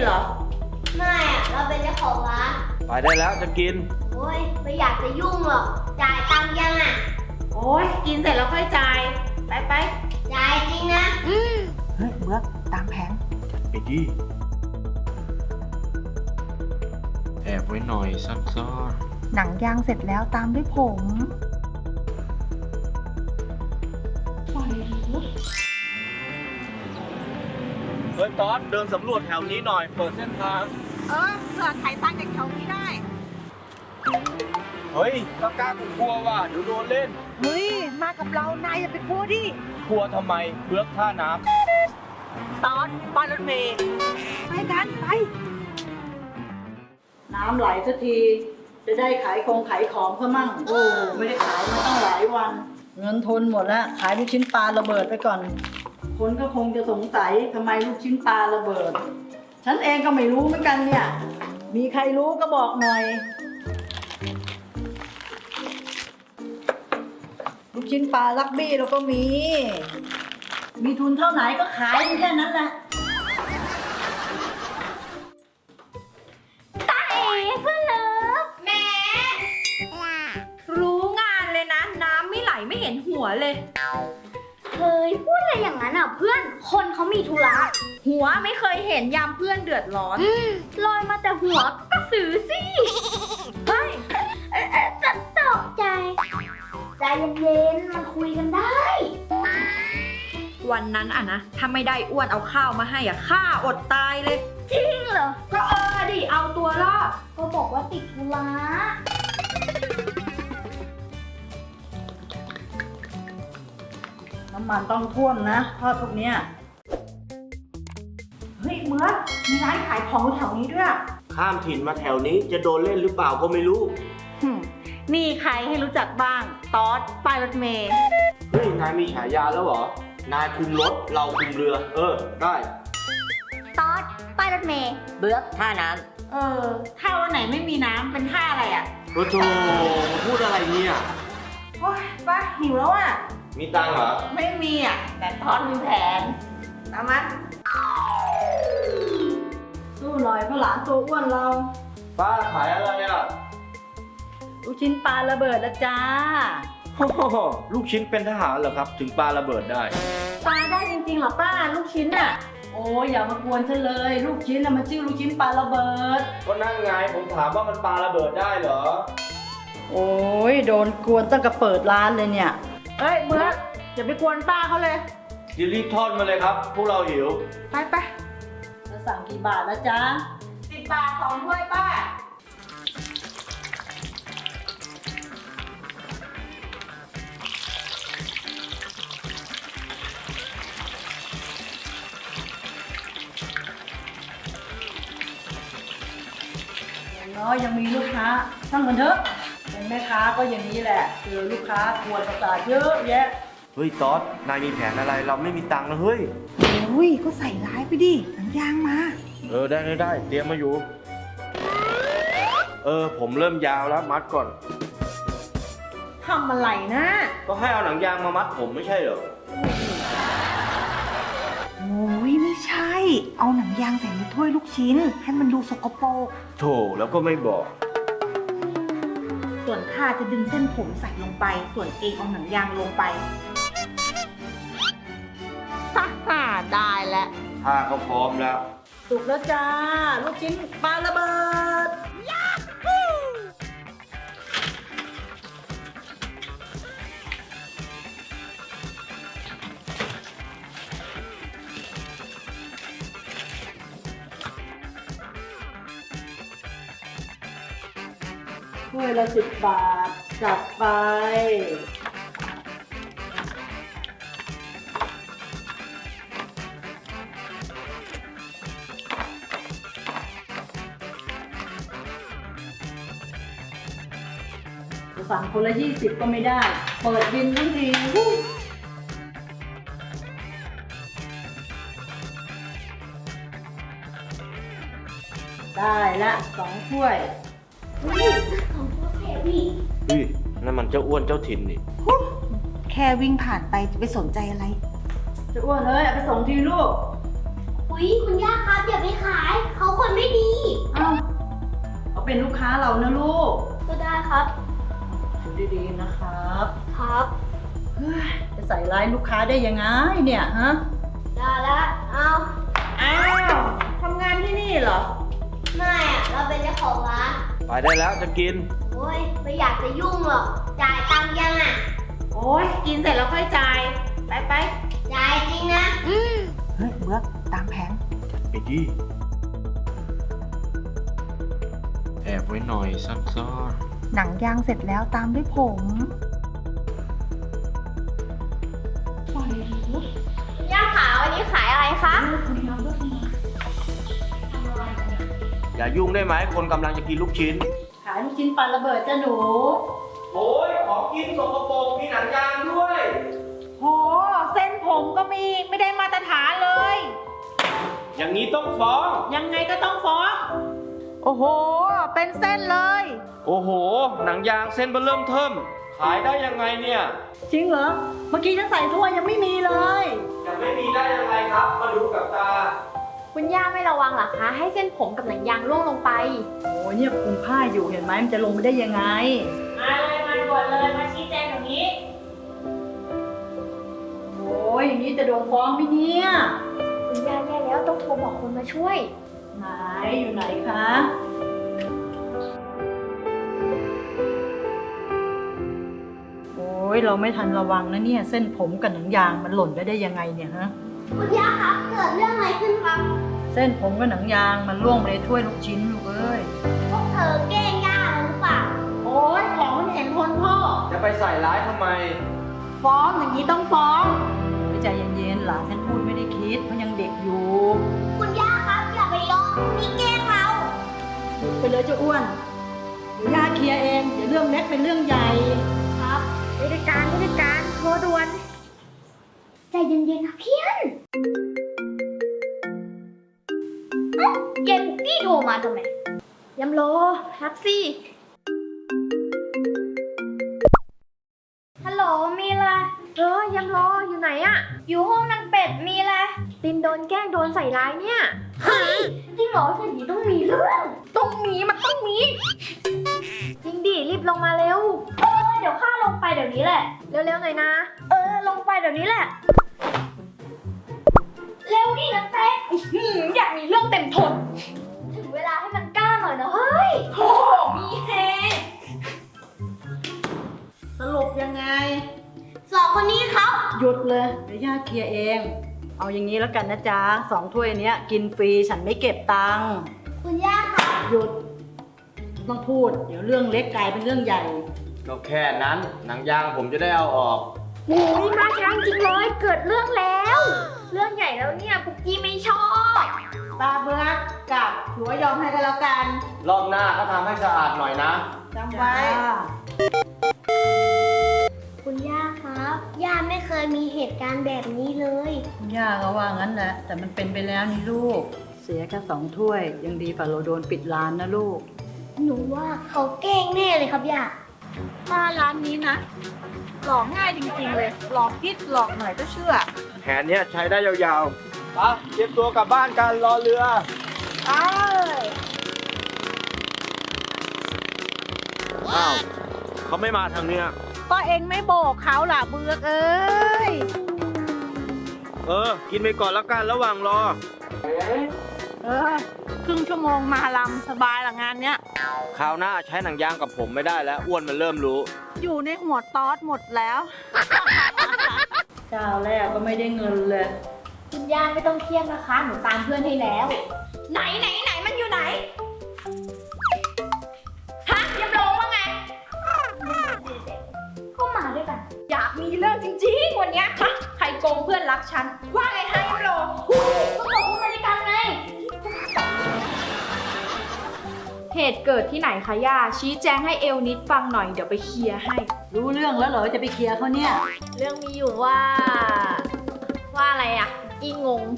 เหรอไม่อะเราเป็นเจ้าของร้านไปได้แล้วจะกินโอ้ยไม่อยากจะยุ่งหรอกจ่ายตังค์ยังอ่ะโอ้ยกินเสร็จแล้วค่อยจ่ายไปจ่ายจริงนะเฮ้ยเบือกตามแผนไอ้ดีแอบไว้หน่อยซ่อนหนังยางเสร็จแล้วตามด้วยผมๆเฮ้ยตอดเดินสำรวจแถวนี้หน่อย เปิดเส้นทางเผื่อไขตังจากแถวนี้ได้เฮ้ยกล้ากลัวว่ะเดี๋ยวโดนเล่นเฮ้ย มากับเรา นายอย่าไปกลัวดิกลัวทำไมเบือกท่าน้ตอนป้ายรถเมย์ไปกันไปน้ำไหลสักที จะได้ขายขายของเพิ่มมั่ง โอ้ไม่ได้ขายมาตั้งหลายวัน เงินทุนหมดแล้ว ขายลูกชิ้นปลาระเบิดไปก่อน คนก็คงจะสงสัยทำไมลูกชิ้นปลาระเบิด ฉันเองก็ไม่รู้เหมือนกันเนี่ย มีใครรู้ก็บอกหน่อย ลูกชิ้นปลาลักบี้เราก็มี มีทุนเท่าไหนก็ขายแค่นั้นแหละตาเอ๋เพื่อนเลิฟแหม่รู้งานเลยนะ น้ำไม่ไหลไม่เห็นหัวเลยเฮ้ยพูดอะไรอย่างนั้นอ่ะเพื่อน คนเขามีธุระหัวไม่เคยเห็นยามเพื่อนเดือดร้อนลอยมาแต่หัวก็สือสิ เฮ้ยตกใจ ใจเย็นๆ มันคุยกันได้วันนั้นอ่ะนะถ้าไม่ได้อ้วนเอาข้าวมาให้อ่ะข้าอดตายเลยจริงเหรอก็ดิเอาตัวรอดก็บอกว่าติดธุระน้ำมันต้องท่วมนะทอดพวกเนี้ยเฮ้ยเบือกมีร้านขายของแถวนี้ด้วยำข้ามถิ่นมาแถวนี้จะโดนเล่นหรือเปล่าก็ไม่รู้นี่ใครให้รู้จักบ้าง ตอดป้ายรถเมย์เฮ้ยนายมีฉายาแล้วเหรอ นายคุมรถเราคุมเรือ ได้ตอดป้ายรถเมย์เบือกท่าน้ำถ้าวันไหนไม่มีน้ำเป็นท่าอะไรอ่ะโอ้โหพูดอะไรเนี่ยโอ้ยป้าหิวแล้วอ่ะมีตังค์เหรอไม่มีอ่ะ แต่ทอดมีแผนเอามาสู้หน่อยเพราะหลานตัวอ้วนเราป้าขายอะไรอ่ะลูกชิ้นปลาระเบิดละจ้าโอ้โหลูกชิ้นเป็นทหารเหรอครับ ถึงปาระเบิดได้ปลาได้จริงๆเหรอป้าลูกชิ้นอ่ะ โอ้ยอย่ามากวนฉันเลย ลูกชิ้นน่ะมันชื่อลูกชิ้นปลาระเบิดก็นั่งไงผมถามว่ามันปาระเบิดได้เหรอโอ้ยโดนกวนตั้งแต่เปิดร้านเลยเนี่ยเฮ้ยเบือกอย่าไปกวนป้าเขาเลยรีบทอดมาเลยครับ พวกเราหิวไปจะสั่งกี่บาทนะจ๊ะ 10 บาท2ถ้วยป้าอย่างน้อยยังมีลูกค้าช่างมันเถอะ เป็นแม่ค้าก็อย่างนี้แหละเจอลูกค้ากวนประสาทเยอะแยะเฮ้ยตอดนายมีแผนอะไร เราไม่มีตังค์นะเฮ้ยโอ้ยก็ใส่ร้ายไปดิหนังยางมาได้เตรียมมาอยู่ ผมเริ่มยาวแล้วมัดก่อนทำอะไรนะก็ให้เอาหนังยางมามัดผมไม่ใช่เหรอโอ้ยไม่ใช่ เอาหนังยางใส่ในถ้วยลูกชิ้น ให้มันดูสกปรกโถแล้วก็ไม่บอกส่วนข้าจะดึงเส้นผมใส่ลงไป ส่วนเองเอาหนังยางลงไปฮ่าได้แล้วถ้าเขาพร้อมแล้วสุกแล้วจ้า ลูกชิ้นปลาระเบิด ถ้วยละ10 บาท จัดไป จะสั่งคนละ20 ก็ไม่ได้ เปิดบินทั้งทีวู้ได้ละ2 ถ้วยของพวกเทวีเฮ้ยนั่นมันเจ้าอ้วนเจ้าถิ่นนี่แค่วิ่งผ่านไปจะไปสนใจอะไรจะอ้วนเลยเอาไปส่งทีลูกไหวอุ๊ยคุณย่าครับอย่าไปขายเขาคนไม่ดีเอ้าเขาเป็นลูกค้าเรานะลูกก็ได้ครับดูดีๆนะครับครับเฮ้ยจะใส่ร้ายลูกค้าได้ยังไงเนี่ยฮะได้ละเอาอ้าวทำงานที่นี่เหรอไม่อะเราเป็นเจ้าของร้านไปได้แล้วจะกินโอ้ยไม่อยากจะยุ่งหรอกจ่ายตังค์ยังอ่ะโอ้ยกินเสร็จแล้วค่อยจ่าย ไปจ่ายจริงนะเฮ้ยเบือกตามแผนไอ้ดีแอบไว้หน่อยซ่อนหนังยางเสร็จแล้วตามด้วยผมย่าขาวันนี้ขายอะไรคะๆอย่ายุ่งได้ไหมคนกำลังจะกินลูกชิ้นขายลูกชิ้นปลาระเบิดจ้ะหนูโอ้ยของกินสกปรกมีหนังยางด้วยโห เส้นผมก็มีไม่ได้มาตรฐานเลยอย่างนี้ต้องฟ้องยังไงก็ต้องฟ้อง โอ้โห เป็นเส้นเลยโอ้โห หนังยางเส้นเบอร์เริ่มเทิมขายได้ยังไงเนี่ยจริงเหรอ เมื่อกี้ฉันใส่ถ้วยยังไม่มีเลยจะไม่มีได้ยังไงครับ มาดูกับตาคุณย่าไม่ระวังเหรอคะ ให้เส้นผมกับหนังยางร่วงลงไปโอ้ยเนี่ยคุมผ้าอยู่เห็นไหมมันจะลงไปได้ยังไงมาเลยมาด่วนเลยมาชี้แจงอย่างนี้โอ้ยอย่างนี้จะโดนฟ้องไหมเนี่ยคุณย่าแย่แล้วต้องโทรบอกคนมาช่วยไหนอยู่ไหนคะโอ้ยเราไม่ทันระวังนะเนี่ยเส้นผมกับหนังยางมันหล่นไปได้ยังไงเนี่ยฮะคุณย่าครับ เกิดเรื่องอะไรขึ้นครับเส้นผมกับหนังยางมันล่วงไปในถ้วยลูกชิ้นลูกเอ้ยพวกเธอแกล้งย่าหรือเปล่าโอ้ยของมันเห็นคนพ่อจะไปใส่ร้ายทำไมฟ้องอย่างนี้ต้องฟ้องใจเย็นๆหลานฉันพูดไม่ได้คิดเพราะยังเด็กอยู่คุณย่าครับอย่าไปยอมมีแกล้งเราหยุดไปเลยเจ้าอ้วนเดี๋ยวย่าเคลียร์เองเดี๋ยวเรื่องเล็กเป็นเรื่องใหญ่ครับผู้จัดการโทรด่วน ใจเย็นๆนะเพี้ยนเอ้าเกมตี้โทรมาทำไมยำโลรับสิฮัลโหลมีอะไรยำโลอยู่ไหนอะอยู่ห้องนางเป็ดมีอะไรตินโดนแกล้งโดนใส่ร้ายเนี่ยเฮ้ยจริงเหรออย่างนี้ต้องมีเรื่องต้องมีมันต้องมี จริงดิรีบลงมาเร็วเดี๋ยวข้าลงไปเดี๋ยวนี้แหละเร็วๆหน่อยนะลงไปเดี๋ยวนี้แหละเร็วดินะเต้อยากมีเรื่องเต็มทนถึงเวลาให้มันกล้าหน่อยนะเฮ้ยโอ้มีเฮสรุปยังไงสองคนนี้เขาหยุดเลยเดี๋ยวย่าเคลียร์เอง เอาอย่างนี้แล้วกันนะจ๊ะ2 ถ้วยเนี้ยกินฟรีฉันไม่เก็บตังค์คุณย่าค่ะหยุดต้องพูด เดี๋ยวเรื่องเล็กกลายเป็นเรื่องใหญ่ก็แค่นั้นหนังยางผมจะได้เอาออกโอ้ยมาช้าจริงเลยเกิดเรื่องแล้ว เรื่องใหญ่แล้วเนี่ยปุกกี้ไม่ชอบตาเบือกกับหัวยอมให้กันแล้วกันรอบหน้าก็ทำให้สะอาดหน่อยนะจำไว้คุณย่าครับ ย่าไม่เคยมีเหตุการณ์แบบนี้เลยย่าก็ว่างั้นแหละแต่มันเป็นไปแล้วนี่ลูก เสียแค่2 ถ้วย ยังดีกว่าเราโดนปิดร้านนะลูกหนูว่าเขาแกล้งแน่เลยครับย่ามาร้านนี้นะ หลอกง่ายจริงๆเลย หลอกนิดหลอกหน่อยก็เชื่อแผนเนี้ยใช้ได้ยาวๆไปเตรียมตัวกลับบ้านกันรอเรือ อ้าวเขาไม่มาทางเนี้ยก็เองไม่โบกเขาล่ะเบือกเอ้ยกินไปก่อนแล้วกันระหว่างรอครึ่งชั่วโมงมาลำสบายละงานเนี้ยคราวหน้าใช้หนังยางกับผมไม่ได้แล้วอ้วนมันเริ่มรู้อยู่ในหัวตอสหมดแล้วเจ้าแรกก็ไม่ได้เงินเลยคุณย่าไม่ต้องเครียดนะคะ หนูตามเพื่อนให้แล้ว ไหนมันอยู่ไหน ฮะยำโลว่าไง ก็มาด้วยกันอยากมีเรื่องจริงๆวันเนี้ยฮะใครโกงเพื่อนรักฉัน ว่าไงให้โลก็บอกว่ามาด้วยกันไงเหตุเกิดที่ไหนคะย่าชี้แจงให้เอลนิดฟังหน่อยเดี๋ยวไปเคลียร์ให้รู้เรื่องแล้วเหรอจะไปเคลียร์เขาเนี่ยเรื่องมีอยู่ว่าอะไรอะอีงง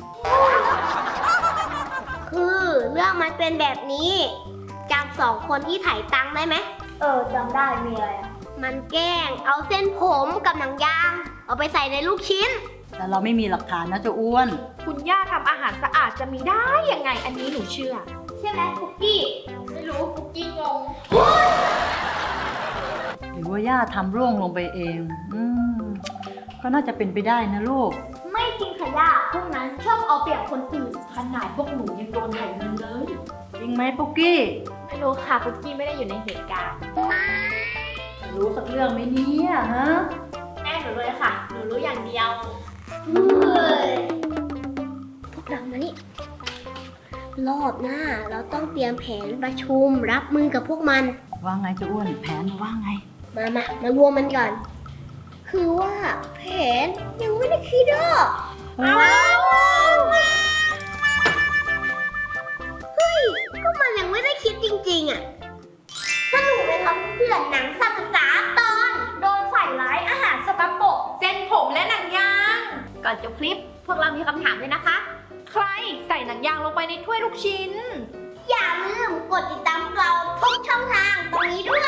คือเรื่องมันเป็นแบบนี้จำ2 คนที่ถ่ายตังค์ได้ไหมจำได้มีอะไรอะมันแกล้งเอาเส้นผมกับหนังยาง เอาไปใส่ในลูกชิ้นแต่เราไม่มีหลักฐานนะเจ้าอ้วนคุณย่าทำอาหารสะอาดจะมีได้ยังไง อันนี้หนูเชื่อ ใช่ไหมคุกกี้ ไม่รู้คุกกี้งงหรือว่าย่าทำร่วงลงไปเอง ก็น่าจะเป็นไปได้นะลูกไม่จริงค่ะย่า พวกนั้นชอบเอาเปรียบคนอื่น ขนาดพวกหนูยังโดนไถเงินเลยจริงไหมปุ๊กกี้ไม่รู้ค่ะคุกกี้ไม่ได้อยู่ในเหตุการณ์รู้สักเรื่องไหมเนี่ยฮะแม่หนูเลยค่ะ หนูรู้อย่างเดียวพวกเรามานี่รอบหน้าเราต้องเตรียมแผนประชุมรับมือกับพวกมันว่าไงเจ้าอ้วน แผนว่าไงมารวมมันก่อน คือว่าแผนยังไม่ได้คิดอ่ะเฮ้ย ก็มันยังไม่ได้คิดจริงๆอ่ะสรุปเลยครับเพื่อนหนังสัปดาห์ตอนโดนใส่ร้ายอาหารสกปรกเส้นผมและหนังยาง ก่อนจบคลิป พวกเรามีคำถามด้วยนะคะ ใครใส่หนังยางลงไปในถ้วยลูกชิ้นอย่าลืมกดติดตามเราทุกช่องทางตรงนี้ด้วย